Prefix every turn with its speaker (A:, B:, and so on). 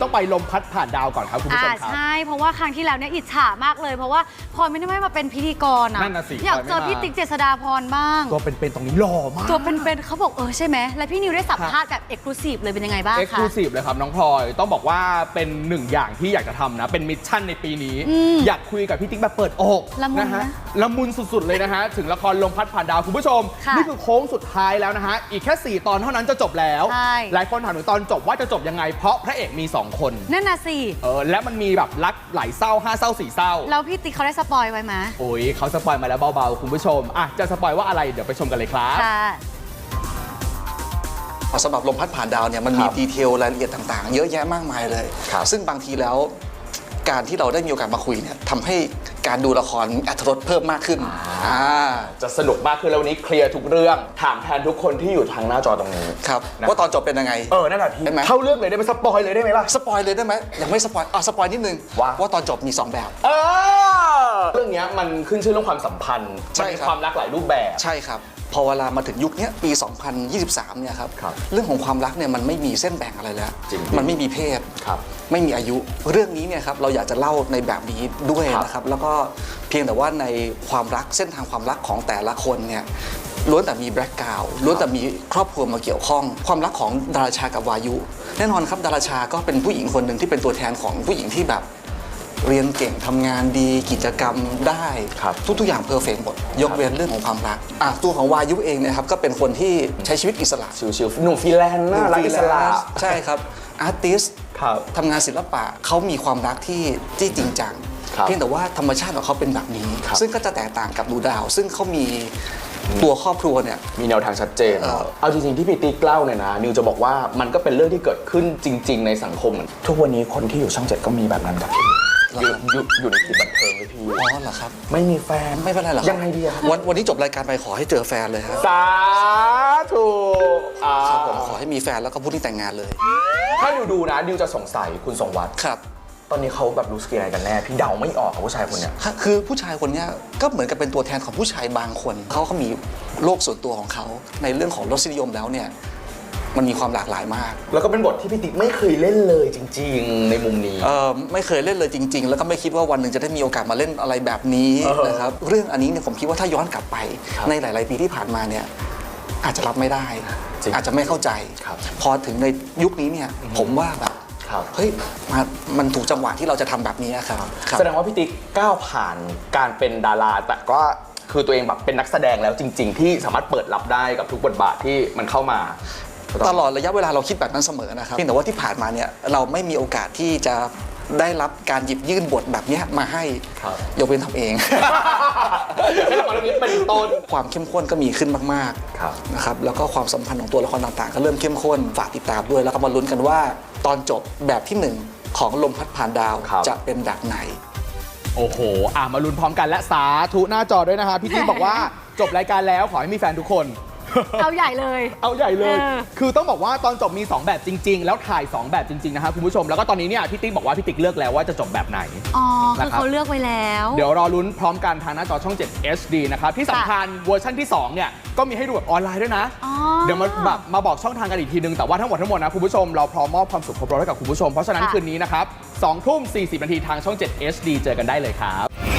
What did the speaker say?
A: ต้องไปลมพัดผ่านดาวก่อนครับคุณผู้ชมครับ
B: ใช่เพราะว่าครั้งที่แล้วเนี่ยอิจฉามากเลยเพราะว่าพลอยไม่ได้มาเป็นพิธีกรนะ
A: นั่นน่ะสิ
B: อยากเจอพี่ติ๊กเจษฎาพรบ้าง
A: ตัวเป็นๆตรงนี้หล่อมาก
B: ตัวเป็นๆเขาบอกใช่ไหมแล้วพี่นิวได้สัมภาษณ์แบบเอ็กซ์คลูซีฟเลยเป็นยังไงบ้างคะ
A: เอ็กซ์คลูซีฟเลยครับน้องพลอยต้องบอกว่าเป็นหนึ่งอย่างที่อยากจะทำนะเป็นมิชชั่นในปีนี้อยากคุยกับพี่ติ๊กแบบเปิดอกนะฮะละมุนสุดๆเลยนะฮะถึงละครลมพัดผ่านดาวคุณผู้ชมนี่คือโค้งสุดท้ายแล้วนะฮะอีกแค่4 ตอนเท่านั้นจะจบแล้วหลายคนถามถึงตอนจบว่าจะจบยังไงเพราะพระเอกมี2 คน
B: นั่นน่ะสิ
A: และมันมีแบบรักหลายเศร้า5 เศร้า4 เศร้า
B: แล้วพี่ติ๊กเขาได้สปอยไว้ไหม
A: โอ้ยเขาสปอยมาแล้วเบาๆคุณผู้ชมจะสปอยว่าอะไรเดี๋ยวไปชมกันเลยครับ
C: สำหรับลมพัดผ่านดาวเนี่ยมันมีดีเทลรายละเอียดต่างๆเยอะแยะมากมายเลยซึ่งบางทีแล้วการที่เราได้มีโอกาสมาคุยเนี่ยทำให้การดูละครมีอรรถรสเพิ่มมากขึ้น
A: จะสนุกมากขึ้นแล้ววันนี้เคลียร์ทุกเรื่องถามแทนทุกคนที่อยู่ทางหน้าจอตรงนี้
C: ครับว่าตอนจบเป็นยังไง
A: นั่นแหละพี่เข้าเรื่องเลยได้ไหมสปอยเลยได้ไหมล่ะ
C: สปอยเลยได้ไหมยังไม่สปอยสปอยนิดนึงว่าตอนจบมี2 แบบ
A: เรื่องนี้มันขึ้นชื่อเรื่องความสัมพันธ์มันมีความรักหลายรูปแบบ
C: ใช่ครับพอเวลามาถึงยุคนี้ปี 2023 เนี่ยครับเรื่องของความรักเนี่ยมันไม่มีเส้นแบ่งอะไรแล้วมันไม่มีเพศไม่มีอายุเรื่องนี้เนี่ยครับเราอยากจะเล่าในแบบนี้ด้วยนะครับแล้วก็เพียงแต่ว่าในความรักเส้นทางความรักของแต่ละคนเนี่ยล้วนแต่มีแบล็คกราวด์ล้วนแต่มีครอบครัวมาเกี่ยวข้องความรักของดาราชากับวายุแน่นอนครับดาราชาก็เป็นผู้หญิงคนหนึ่งที่เป็นตัวแทนของผู้หญิงที่แบบเรียนเก่งทำงานดีกิจกรรมได้ทุกอย่างเพอร์เฟกต์หมดยกเว้นเรื่องของความรักตัวของวายุเองนะครับก็เป็นคนที่ใช้ชีวิตอิสระ
A: ชิวๆหนุ่มฟรีแลนซ์น่ารักอิสระ
C: ใช่ครับอาร์ติสต์ทำงานศิลปะเขามีความรักที่จริงจังเพียงแต่ว่าธรรมชาติของเขาเป็นแบบนี้ซึ่งก็จะแตกต่างกับดูดาวซึ่งเขามีตัวครอบครัวเนี่ย
A: มีแนวทางชัดเจนเอาจริงๆที่พี่ติ๊กเล่าเนี่ยนะนิวจะบอกว่ามันก็เป็นเรื่องที่เกิดขึ้นจริงๆในสังคมทุกวันนี้คนที่อยู่ช่อง 7ก็มีแบบนั้นครับอยู่ในกลุ่มบันเทิงเลยพี่
C: เหรอครับ
A: ไม่มีแฟน
C: ไม่เป็นไรหรอ
A: ยังไงดีครับ
C: วันนี้จบรายการไปขอให้เจอแฟนเลยครับ
A: สาธุ
C: ครับผมขอให้มีแฟนแล้วก็พูดที่แต่งงานเลย
A: ถ้าดูนะดิวจะสงสัยคุณทรงวัฒน์
C: ครับ
A: ตอนนี้เขาแบบรู้สึกอะไรกันแน่พี่เดาไม่ออกกับผู้ชายคนเนี้ย
C: คือผู้ชายคนนี้ก็เหมือนกับเป็นตัวแทนของผู้ชายบางคนเขามีโลกส่วนตัวของเขาในเรื่องของรสนิยมแล้วเนี่ยมันมีความหลากหลายมาก
A: แล้วก็เป็นบทที่พี่ติ๊กไม่เคยเล่นเลยจริงๆในมุมนี้
C: ไม่เคยเล่นเลยจริงๆแล้วก็ไม่คิดว่าวันหนึ่งจะได้มีโอกาสมาเล่นอะไรแบบนี้นะครับเรื่องอันนี้เนี่ยผมคิดว่าถ้าย้อนกลับไปในหลายๆปีที่ผ่านมาเนี่ยอาจจะรับไม่ได้อาจจะไม่เข้าใจพอถึงในยุคนี้เนี่ยผมว่าแบบเฮ้ยมันถูกจังหวะที่เราจะทำแบบนี้ครับ
A: แสดงว่าพี่ติ๊กก้าวผ่านการเป็นดาราแต่ก็คือตัวเองแบบเป็นนักแสดงแล้วจริงๆที่สามารถเปิดรับได้กับทุกบทบาทที่มันเข้ามา
C: ตลอดระยะเวลาเราคิดแบบนั้นเสมอนะครับเพียงแต่ว่าที่ผ่านมาเนี่ยเราไม่มีโอกาสที่จะได้รับการหยิบยื่นบทแบบนี้มาให้ยกเว้นทำเอง
A: ให้ละครเรื่องนี้เป็นต้น
C: ความเข้มข้นก็มีขึ้นมากๆนะครับแล้วก็ความสัมพันธ์ของตัวละครต่างๆก็เริ่มเข้มข้นฝากติดตามด้วยแล้วก็มาลุ้นกันว่าตอนจบแบบที่1ของลมพัดผ่านดาวจะเป็นแบบไหน
A: โอ้โหมาลุ้นพร้อมกันและสาธุหน้าจอด้วยนะคะพี่ติ๊กบอกว่าจบรายการแล้วขอให้มีแฟนทุกคน
B: เอาใหญ่เลย
A: คือต้องบอกว่าตอนจบมี2แบบจริงๆแล้วถ่าย2แบบจริงๆนะครับคุณผู้ชมแล้วก็ตอนนี้เนี่ยพี่ติ๊กบอกว่าพี่ติ๊กเลือกแล้วว่าจะจบแบบไหน
B: คือเขาเลือกไว้แล้ว
A: เดี๋ยวรอลุ้นพร้อมกันทางหน้าจอช่อง 7 HD นะครับที่สำคัญเวอร์ชันที่2เนี่ยก็มีให้ดูแบบออนไลน์ด้วยนะเดี๋ยวมาบอกช่องทางกันอีกทีนึงแต่ว่าทั้งหมดนะคุณผู้ชมเราพร้อมมอบความสุขครบรสให้กับคุณผู้ชมเพราะฉะนั้นคืนนี้นะครับ20:40 นาทีทางช่อง 7 HD เจอกันได้เลยครับ